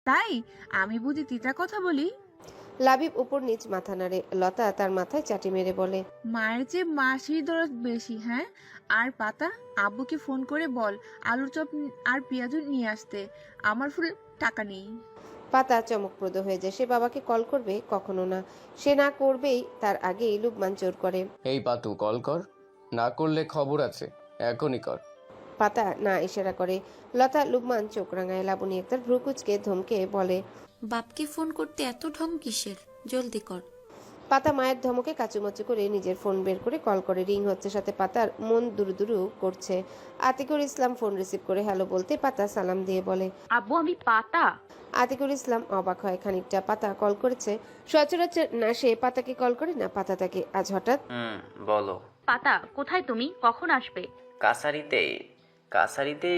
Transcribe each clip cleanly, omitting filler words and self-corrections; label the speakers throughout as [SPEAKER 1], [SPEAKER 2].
[SPEAKER 1] তাই আমি বুঝি তিতা কথা বলি?
[SPEAKER 2] লাবিব উপর নিচ মাথা নাড়ে। লতা তার মাথায় চাটি মেরে বলে,
[SPEAKER 1] মায়ের চেয়ে মাসির দরদ বেশি, হ্যাঁ? আর পাতা, আব্বুকে ফোন করে বল আলুর চপ আর পেঁয়াজু নিয়ে আসতে। আমার ফুল টাকা নেই।
[SPEAKER 2] পাতা চমকপ্রদ হয়ে যায়। সে বাবাকে কল করবে? কখনো না। সে না করবেই, তার আগেই লুকমান জোর করে।
[SPEAKER 3] এই পাতু, কল কর। না করলে খবর আছে, এখনই কর।
[SPEAKER 2] পাতা না ইশারা করে। লতা লুকমান চোখ রাঙায়। লাবণী একটার ভ্রুকুচকে ধমকে বলে,
[SPEAKER 4] বাপকে ফোন করতে এত ঢং কিসের? জলদি কর।
[SPEAKER 2] পাতা মায়ের ধমকে কাচুমাচু করে নিজের ফোন বের করে কল করে। রিং হচ্ছে, সাথে পাতার মন দুরু করছে। আতিকুর ইসলাম ফোন রিসিভ করে হ্যালো বলতে পাতা সালাম দিয়ে বলে,
[SPEAKER 5] আব্বু আমি পাতা।
[SPEAKER 2] আতিকুর ইসলাম অবাক হয় খানিকটা। পাতা কল করেছে, সচরাচর না সে পাতাকে কল করে না পাতা তাকে। আজ হঠাৎ।
[SPEAKER 6] বলো।
[SPEAKER 5] পাতা কোথায় তুমি, কখন আসবে?
[SPEAKER 6] কাছারিতে। কাছারিতে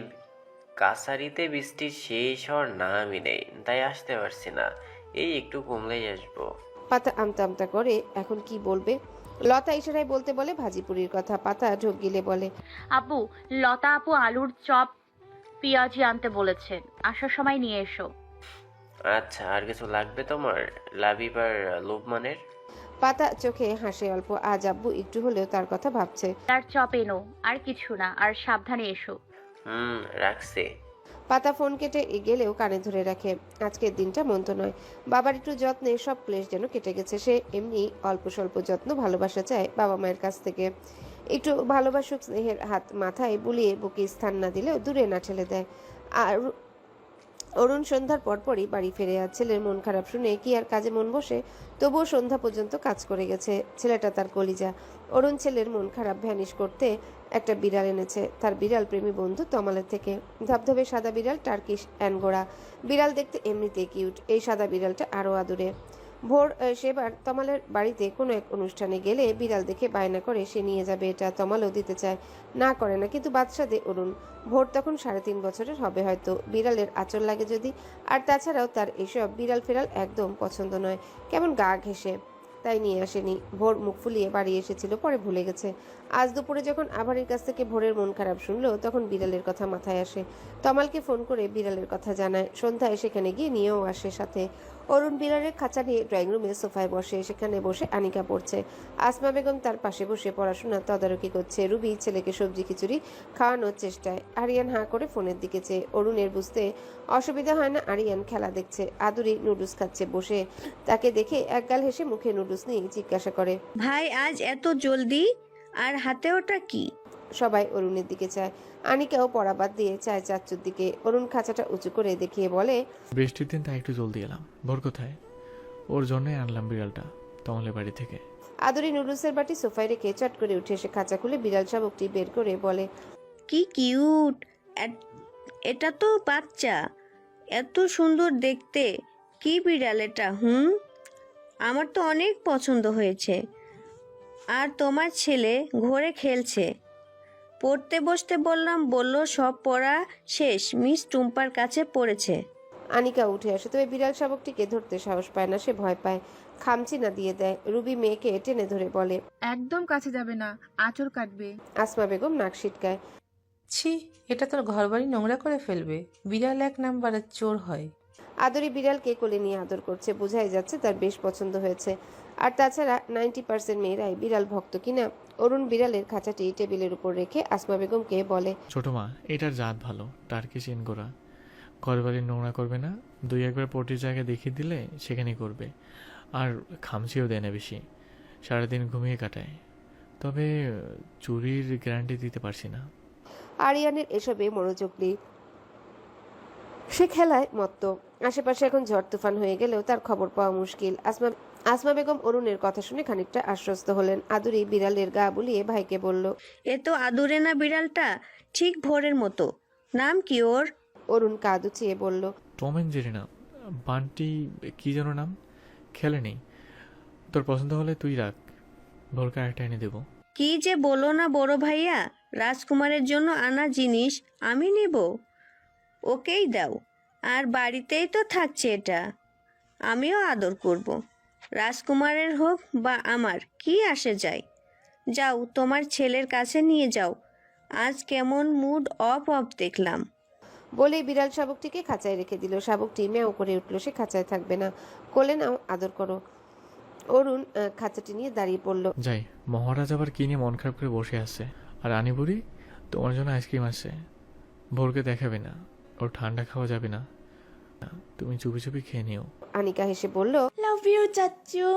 [SPEAKER 6] কাছারিতে বৃষ্টির শেষ হওয়ার নামই নেই, তাই আসতে পারছি না। এই একটু কমলেই আসবো।
[SPEAKER 2] পাতা আমতা আমতা করে এখন কি বলবে। লতা ইশারায় বলতে বলে ভাজিপুরির কথা। পাতা ঢোক গিলে বলে,
[SPEAKER 5] আব্বু, লতা আপু আলুর চপ পেঁয়াজি আনতে বলেছেন, আসার সময় নিয়ে এসো।
[SPEAKER 6] আচ্ছা, আর কিছু লাগবে তোমার? লাবিব আর লোকমানের?
[SPEAKER 2] পাতা চোখে হাসে অল্প। আজ আব্বু একটু হলেও তার কথা ভাবছে।
[SPEAKER 5] তার চপ এনো, আর কিছু না, আর সাবধানে এসো।
[SPEAKER 6] রাখছে।
[SPEAKER 2] পাতা ফোন কেটে গেলেও কানে ধরে রাখে। আজকের দিনটা মন্দ নয়। বাবার একটু যত্নে সব ক্লেশ যেন কেটে গেছে। সে এমনি অল্প স্বল্প যত্ন ভালোবাসা চায় বাবা মায়ের কাছ থেকে। একটু ভালোবাসুক, স্নেহের হাত মাথায় বুলিয়ে বুকে স্থান না দিলেও দূরে না ঠেলে দেয়। আর অরুণ সন্ধ্যার পরপরই বাড়ি ফিরে। আর ছেলের মন খারাপ শুনে কি আর কাজে মন বসে? তবুও সন্ধ্যা পর্যন্ত কাজ করে গেছে। ছেলেটা তার কলিজা। অরুণ ছেলের মন খারাপ ভ্যানিশ করতে একটা বিড়াল এনেছে তার বিড়াল প্রেমী বন্ধু তমালের থেকে। ধবধবে সাদা বিড়াল, টার্কিশ অ্যানগোরা বিড়াল, দেখতে এমনিতে কিউট। এই সাদা বিড়ালটা আরও আদুরে। ভোর সেবার তমালের বাড়িতে কোনো এক অনুষ্ঠানে গেলে বিড়াল দেখে বায়না করে সে নিয়ে যাবে। এটা তমালও দিতে চায়, না করে না, কিন্তু বাদশা দে অরুণ। ভোর তখন 3.5 বছরের হবে হয়তো। বিড়ালের আঁচল লাগে যদি। আর তাছাড়াও তার এসব বিড়াল ফেরাল একদম পছন্দ নয়, কেমন গা ঘেঁষে। তাই নিয়ে আসেনি। ভোর মুখ ফুলিয়ে বাড়ি এসেছিল, পরে ভুলে গেছে। আজ দুপুরে যখন আভারের কাছ থেকে ভোরের মন খারাপ শুনলো, তখন বিড়ালের কথা মাথায় আসে। তমালকে ফোন করে বিড়ালের কথা জানায়। সন্ধ্যায় সেখানে গিয়ে নিয়েও আসে সাথে। অরুণ বিড়ালের খাঁচা নিয়ে ড্রয়িং রুমে সোফায় বসে। সেখানে বসে আনিকা পড়ছে। আসমা বেগম তার পাশে বসে পড়াশোনা তদারকি করছে। রুবি ছেলেকে সবজি খিচুড়ি খাওয়ানোর চেষ্টায়। আরিয়ান হাঁ করে ফোনের দিকে চেয়ে। অরুণের বুঝতে অসুবিধা হয় না, আরিয়ান খেলা দেখছে। আদুরি নুডলস খাচ্ছে বসে। তাকে দেখে একগাল হেসে মুখে নুডলস নিয়ে জিজ্ঞাসা করে,
[SPEAKER 7] ভাই আজ এত জলদি? আর হাতে ওটা কি?
[SPEAKER 2] সবাই অরুণের দিকে চায়। আনিকাও পড়া বাদ দিয়ে চায় চাচ্চুর দিকে। অরুণ খাঁচাটা উঁচু করে দেখিয়ে বলে,
[SPEAKER 8] বৃষ্টির দিন তাই একটু জলদি এলাম। ভোর কোথায়? ওর জন্যই আনলাম বিড়ালটা তমালের বাড়ি থেকে।
[SPEAKER 2] আদুরি নুডলসের বাটি সোফায় রেখে চট করে উঠে এসে খাঁচা খুলে বিড়াল শাবকটি বের করে বলে,
[SPEAKER 7] কি কিউট! এটা তো বাচ্চা, এত সুন্দর দেখতে। কি বিড়াল এটা? আমার তো অনেক পছন্দ হয়েছে। আর তোমার ছেলে ঘরে খেলছে। পড়তে বসতে বললাম, বলল সব পড়া শেষ, মিস টুম্পার কাছে পড়েছে।
[SPEAKER 2] আনিকা উঠে আসে, তবে বিড়াল শাবকটিকে ধরতে সাহস পায় না। সে ভয় পায়, খামচি না দিয়ে দেয়। রুবি মেয়েকে টেনে ধরে বলে,
[SPEAKER 1] একদম কাছে যাবে না, আঁচড় কাটবে।
[SPEAKER 2] আসমা বেগম নাক সিটকায়।
[SPEAKER 9] ছি, এটা তোর ঘরবাড়ি নোংরা করে ফেলবে। বিড়াল এক নাম্বারের চোর হয়।
[SPEAKER 2] আদরি বিড়ালকে কোলে নিয়ে আদর করছে। বোঝাই যাচ্ছে তার বেশ পছন্দ হয়েছে। আর তাছাড়া 90% মেয়েরাই বিড়াল ভক্ত কিনা। অরুণ বিড়ালের খাঁচাটি টেবিলের উপর রেখে আসমা বেগমকে বলে,
[SPEAKER 8] ছোট মা, এটার জাত ভালো, টার্কিশ এনগোরা। ঘরবাড়ি নোংরা করবে না। 2-1বার পটির জায়গায় দেখিয়ে দিলে সেখানেই করবে। আর খামচিও দেয় না বেশি। সারাদিন ঘুমিয়ে কাটায়। তবে চুরির গ্যারান্টি দিতে পারছি না।
[SPEAKER 2] আরিয়ানের এসবে মনোযোগ নেই। সে খেলায় মত্ত। আশেপাশে এখন ঝড় তুফান হয়ে গেলেও তার খবর পাওয়া মুশকিল। আসমা বেগম অরুণের কথা শুনে খানিকটা আশ্বস্ত হলেন। আদুরি বিড়ালের গা বুলিয়ে ভাইকে বলল,
[SPEAKER 7] এ তো আদুরে না বিড়ালটা, ঠিক ভোরের মতো। নাম কি ওর?
[SPEAKER 2] অরুণ কাঁদ উচিয়ে বলল,
[SPEAKER 8] টম অ্যান্ড জেরি না, বান্টি কী যেন নাম। খেলে নেই। তোর পছন্দ হলে তুই রাখ, ভোরকে আরেকটা এনে দেবো।
[SPEAKER 7] কি যে বলো না বড় ভাইয়া, রাজকুমারের জন্য আনা জিনিস আমি নেব? ওকেই দাও। আর বাড়িতেই তো থাকছে এটা, আমিও আদর করব। রাজকুমারের হোক বা আমার, কি আসে যায়। যাও তোমার ছেলের কাছে নিয়ে যাও। আজ কেমন মুড অফ অফ দেখলাম।
[SPEAKER 2] বলেই বিড়াল শাবকটিকে খাঁচায় রেখে দিল। শাবকটি ম্যাও করে উঠল, সে খাঁচায় থাকবে না। কোলে নাও, আদর করো। অরুণ খাঁচাটি নিয়ে দাঁড়িয়ে পড়ল।
[SPEAKER 8] যাই, মহারাজ আবার কি নিয়ে মন খারাপ করে বসে আছে। আর আনিবুড়ি, তোমার জন্য আইসক্রিম আছে। ভোরকে দেখাবে না, ওর ঠান্ডা খাওয়া যাবে না, তুমি চুপি চুপি খেয়ে নিও।
[SPEAKER 2] আনিকা হেসে বলল,
[SPEAKER 4] লাভ ইউ চাচ্চু।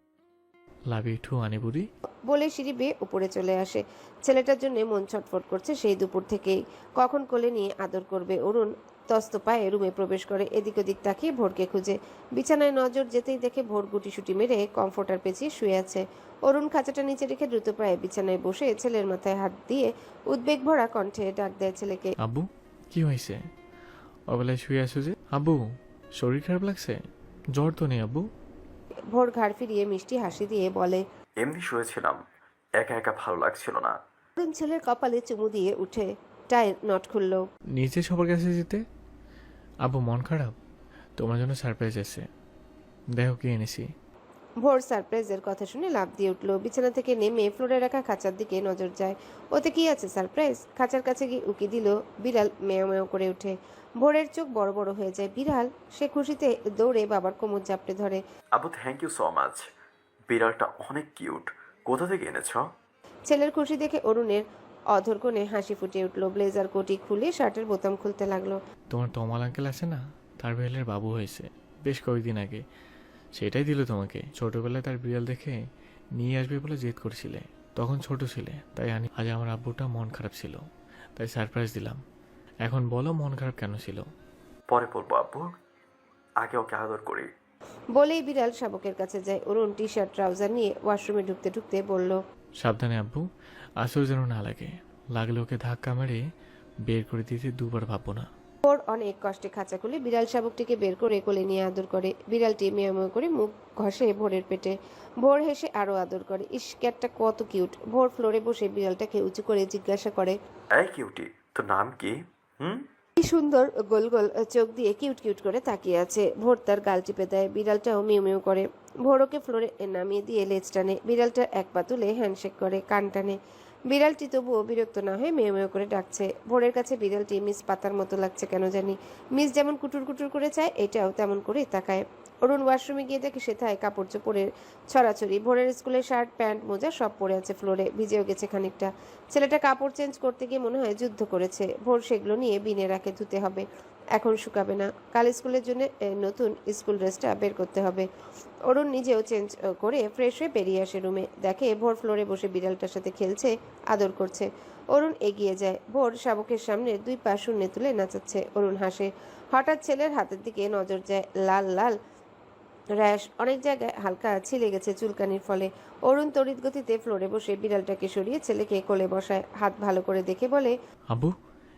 [SPEAKER 8] লাভ ইউ টু আনিবুড়ি।
[SPEAKER 2] বলে সিঁড়ি বেয়ে উপরে চলে আসে। ছেলেটার জন্য মন ছটফট করছে সেই দুপুর থেকেই। কখন কোলে নিয়ে আদর করবে। অরুণ তস্ত পায়ে রুমে প্রবেশ করে, এদিক ওদিক তাকিয়ে ভোরকে খুঁজে। বিছানায় নজর যেতেই দেখে ভোর গুটিসুটি মেরে কমফোর্টার পেঁচিয়ে শুয়ে আছে। অরুণ খাঁচাটা নিচে রেখে দ্রুত পায়ে বিছানায় বসে ছেলের মাথায় হাত দিয়ে উদ্বেগ ভরা কণ্ঠে ডাক দেয় ছেলেকে।
[SPEAKER 8] আব্বু, কি হয়েছে? অবেলায় শুয়ে আছো যে? আব্বু, শরীর খারাপ লাগছে? জ্বর তো নেই আব্বু?
[SPEAKER 2] ভোর ঘাড় ফিরিয়ে মিষ্টি হাসি দিয়ে বলে,
[SPEAKER 10] এমনি শুয়েছিলাম, একা একা ভালো লাগছিল না।
[SPEAKER 2] অরুণ ছেলের কপালে চুমু দিয়ে উঠে টাইর নট খুলল।
[SPEAKER 8] নিচে সবার কাছে যেতে? আব্বু মন খারাপ, তোমার জন্য সারপ্রাইজ আছে, দেখো কি এনেছি।
[SPEAKER 2] ভোর সারপ্রাইজের কথা শুনে লাফ দিয়ে উঠল। বিছানা থেকে নেমে ফ্লোরে রাখা খাঁচার দিকে নজর যায়। ওতে কি আছে সারপ্রাইজ? খাঁচার কাছে গিয়ে উকি দিল। বিড়াল মেয় মেয় করে ওঠে। ভোরের চোখ বড় বড় হয়ে যায়। বিড়াল! সে খুশিতে দৌড়ে বাবার কোমর জাপটে ধরে।
[SPEAKER 10] Abu, thank you so much. বিড়ালটা অনেক কিউট। কোথা থেকে এনেছ?
[SPEAKER 2] ছেলের খুশি দেখে অরুণের অধর কোণে হাসি ফুটে উঠল। ব্লেজার কোটি খুলে শার্টের বোতাম খুলতে লাগলো।
[SPEAKER 8] তোমার তমাল আঙ্কেল আছে না, তার বিড়ালের বাবু হয়েছে বেশ কয়েকদিন আগে, সেটাই দিল তোমাকে। ছোটবেলায় তার বিড়াল দেখে নিয়ে আসবে বলে জেদ করছিলে, তখন ছোট ছিলে, তাই আজ আমার আব্বুটা মন খারাপ ছিল, তাই সারপ্রাইজ দিলাম। এখন বলো মন খারাপ কেন ছিল?
[SPEAKER 10] পরে বলবো আব্বু, আগে ওকে আদর করি।
[SPEAKER 2] বলেই বিড়াল শাবকের কাছে যায়। অরুণ টি শার্ট ট্রাউজার নিয়ে ওয়াশরুমে ঢুকতে ঢুকতে বলল,
[SPEAKER 8] সাবধানে আব্বু, আসর যেন না লাগে, লাগলে ওকে ধাক্কা মেরে বের করে দিতে দুবার ভাববো না।
[SPEAKER 2] ভোর অনেক কষ্টে খাঁচা খুলে বিড়াল শাবকটিকে বের করে কোলে নিয়ে আদর করে। বিড়ালটি মেয় মেয় করে মুখ ঘষে ভোরের পেটে। ভোর হেসে আরো আদর করে। ইস, ক্যাটটা কত কিউট। ভোর ফ্লোরে বসে বিড়ালটাকে উঁচু করে জিজ্ঞাসা করে,
[SPEAKER 10] এই কিউটি, তোর নাম কি?
[SPEAKER 2] কি সুন্দর গোল গোল চোখ দিয়ে কিউট কিউট করে তাকিয়ে আছে। ভোর তার গাল টিপে দেয়। বিড়ালটাও মিউ মিউ করে। ভোর ওকে ফ্লোরে নামিয়ে দিয়ে লেজ টানে। বিড়ালটা এক পা তুলে হ্যান্ডশেক করে, কান টানে। বিড়ালটি তবুও বিরক্ত না হয়ে মেয় মেয় করে ডাকছে। ভোরের কাছে বিড়ালটি মিস পাতার মতো লাগছে কেন জানি। মিস যেমন কুটুর কুটুর করে চায়, এটাও তেমন করে তাকায়। অরুণ ওয়াশরুমে গিয়ে দেখে সেথায় কাপড় চোপড়ের ছড়াছড়ি। ভোরের স্কুলের শার্ট প্যান্ট মোজা সব পরে আছে ফ্লোরে, ভিজেও গেছে খানিকটা। ছেলেটা কাপড় চেঞ্জ করতে গিয়ে মনে হয় যুদ্ধ করেছে। ভোর সেগুলো নিয়ে বিনে রাখে, ধুতে হবে, এখন শুকাবে না। কাল স্কুলের জন্য নতুন স্কুল ড্রেসটা বের করতে হবে। অরুণ নিজেও চেঞ্জ করে ফ্রেশ হয়ে বেরিয়ে আসে রুমে। দেখে ভোর ফ্লোরে বসে বিড়ালটার সাথে খেলছে, আদর করছে। অরুণ এগিয়ে যায়। ভোর শাবকের সামনে দুই পা শূন্যে তুলে নাচাচ্ছে। অরুণ হাসে। হঠাৎ ছেলের হাতের দিকে নজর যায়। লাল লাল র্যাশ, অনেক জায়গায় হালকা ছিলে গেছে চুলকানির ফলে। অরুণ তড়িৎ গতিতে ফ্লোরে বসে বিড়ালটাকে সরিয়ে ছেলেকে কোলে বসায়। হাত ভালো করে দেখে বলে,
[SPEAKER 8] আব্বু,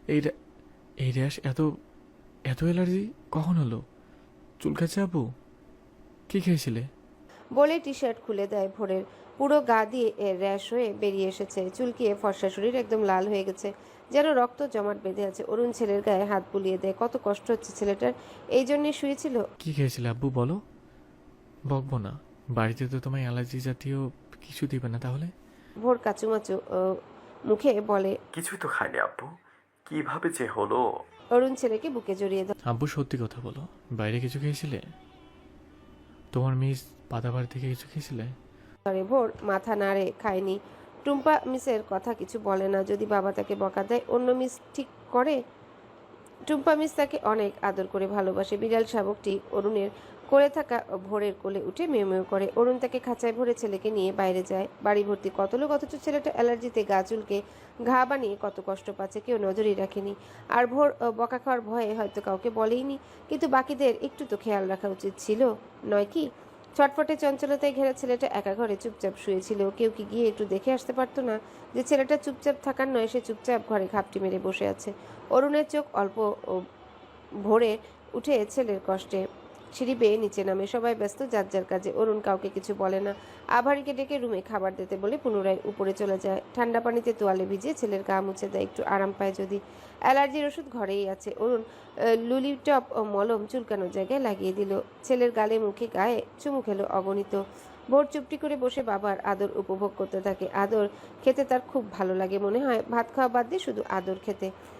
[SPEAKER 8] এই র্যাশ এত এত অ্যালার্জি কখন হলো? চুলকাচ্ছে আব্বু? কি খেয়েছিলে?
[SPEAKER 2] বলে টি শার্ট খুলে দেয় ভোরের। পুরো গা দিয়ে র্যাশ হয়ে বেরিয়ে এসেছে। চুলকিয়ে ফর্সা শরীর একদম লাল হয়ে গেছে, যেন রক্ত জমাট বেঁধে আছে। অরুণ ছেলের গায়ে হাত বুলিয়ে দেয়। কত কষ্ট হচ্ছে ছেলেটার, এই জন্যই শুয়েছিল।
[SPEAKER 8] কি খেয়েছিলে আব্বু বলো? বকবো না, বাড়িতে তো তোমায় অ্যালার্জি জাতীয় কিছু দিবে না তাহলে?
[SPEAKER 2] ভোর কাচুমাচু মুখে বলে,
[SPEAKER 10] কিছুই তো খাইনি আব্বু, কিভাবে যে হলো।
[SPEAKER 2] অরুণ ছেলেকে বুকে জড়িয়ে দেয়।
[SPEAKER 8] আব্বু সত্যি কথা বলো, বাইরে কিছু খেয়েছিলে? তোমার মিস পাতাবার থেকে কিছু খেয়েছিলে?
[SPEAKER 2] ভোর মাথা নাড়ে, খায়নি। টুম্পা মিসের কথা কিছু বলে না। যদি বাবা তাকে বকা দেয়, অন্য মিস ঠিক করে। টুম্পা মিস তাকে অনেক আদর করে ভালোবাসে। বিড়াল শাবকটি অরুণের কোলে থাকা ভোরের কোলে উঠে মেয় মেয় করে। অরুণ তাকে খাঁচায় ভরে ছেলেকে নিয়ে বাইরে যায়। বাড়ি ভর্তি কত লোক, অথচ ছেলেটা অ্যালার্জিতে গা চুলকে ঘা বানিয়ে কত কষ্ট পাচ্ছে, কেউ নজরই রাখেনি। আর ভোর বকা খাওয়ার ভয়ে হয়তো কাউকে বলেইনি, কিন্তু বাকিদের একটু তো খেয়াল রাখা উচিত ছিল, নয় কি? ছটফটে চঞ্চলতায় ঘেরা ছেলেটা একা ঘরে চুপচাপ শুয়েছিল। কেউ কি গিয়ে একটু দেখে আসতে পারতো না যে ছেলেটা চুপচাপ থাকার নয়, সে চুপচাপ ঘরে ঘাপটি মেরে বসে আছে। অরুণের চোখ অল্প ভোরে উঠে ছেলের কষ্টে। সিঁড়ি বেয়ে নিচে নামে। সবাই ব্যস্ত যার যার কাজে। অরুণ কাউকে কিছু বলে না। আভারিকে ডেকে রুমে খাবার দিতে বলে পুনরায় উপরে চলে যায়। ঠান্ডা পানিতে তোয়ালে ভিজিয়ে ছেলের গা মুছে দেয়, একটু আরাম পায় যদি। অ্যালার্জির ওষুধ ঘরেই আছে। অরুণ লুলিটপ মলম চুলকানোর জায়গায় লাগিয়ে দিল। ছেলের গালে মুখে গায়ে চুমু খেলো অগণিত। ভোর চুপটি করে বসে বাবার আদর উপভোগ করতে থাকে। আদর খেতে তার খুব ভালো লাগে, মনে হয় ভাত খাওয়া বাদ দিয়ে শুধু আদর খেতে।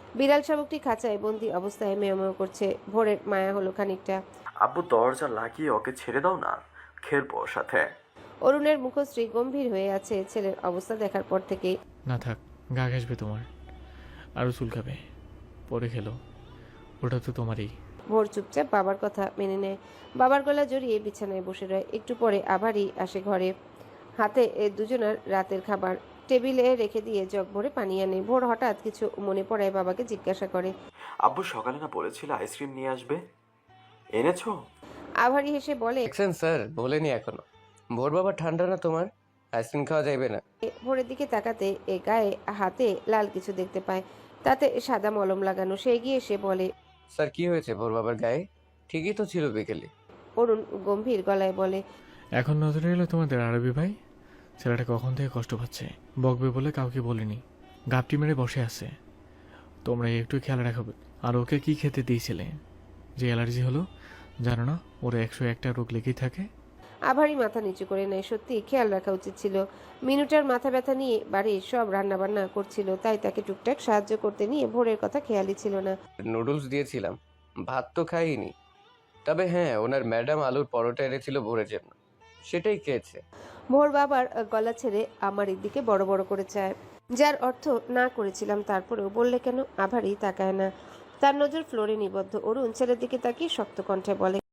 [SPEAKER 2] বিড়াল শাবকটি খাঁচায় বন্দি অবস্থায় মেয়মেয় করছে। ভোরের মায়া হলো খানিকটা।
[SPEAKER 10] আব্বু দরজা লাগিয়ে ওকে ছেড়ে দাও না, খেলবো ওর সাথে।
[SPEAKER 2] অরুণের মুখশ্রী গম্ভীর হয়ে আছে ছেলের অবস্থা দেখার পর থেকেই।
[SPEAKER 8] না থাক, গা ঘাসবে তোমার, আরও চুলকাবে, পরে খেলো, ওটা তো তোমারই।
[SPEAKER 2] ভোর চুপচাপ বাবার কথা মেনে নেয়। বাবার গলা জড়িয়ে বিছানায় বসে রয়। একটু পরে আবারই আসে ঘরে। হাতে দুজনের রাতের খাবার টেবিলে রেখে দিয়ে জগ ভরে পানি আনে। ভোর হঠাৎ কিছু মনে পড়ায় বাবাকে জিজ্ঞাসা করে,
[SPEAKER 10] আব্বু সকালে না বলেছিল আইসক্রিম নিয়ে আসবে, এনেছো?
[SPEAKER 2] আভারি হেসে বলে,
[SPEAKER 3] দেখছেন স্যার, বলেনি এখনো। ভোর বাবা, ঠান্ডা না তোমার, আইসক্রিম খাওয়া যাইবে না।
[SPEAKER 2] ভোরের দিকে তাকাতে গায়ে হাতে লাল কিছু দেখতে পায়, তাতে সাদা মলম লাগানো। সে এগিয়ে এসে বলে,
[SPEAKER 3] স্যার কি হয়েছে ভোর বাবার গায়ে? ঠিকই তো ছিল বিকেলে।
[SPEAKER 2] অরুণ গম্ভীর গলায় বলে,
[SPEAKER 8] এখন নজরে এলো তোমাদের আরবি ভাই, ছেলেটা কখন থেকে কষ্ট পাচ্ছে, বকবে বলে কাউকে বলিনি, গাপটি মেরে বসে আছে। তোমরা একটু খেয়াল রাখবে। আর ওকে কি খেতে দিয়েছিলে যে অ্যালার্জি হলো? জানো না ওর 101টা রোগ লেগেই থাকে।
[SPEAKER 2] আভারি মাথা নিচু করে নেয়। সত্যি খেয়াল রাখা উচিত ছিল। মিনুটার মাথা ব্যথা নিয়ে বাড়ির সব রান্নাবান্না করছিল, তাই তাকে টুকটাক সাহায্য করতে নিয়ে ভোরের কথা খেয়ালই ছিল না।
[SPEAKER 3] নুডলস দিয়েছিলাম, ভাত তো খাইনি। তবে হ্যাঁ, ওনার ম্যাডাম আলুর পরোটা এনেছিল ভোরের জন্য, সেটাই খেয়েছে।
[SPEAKER 2] ভোর বাবার গলা ছেড়ে আমার দিকে বড় বড় করে চায়, যার অর্থ না করেছিলাম, তারপরেও বললে কেন? আভারি তাকায় না, তার নজর ফ্লোরে নিবদ্ধ। অরুণ ছেলের দিকে তাকিয়ে শক্ত কণ্ঠে বলে,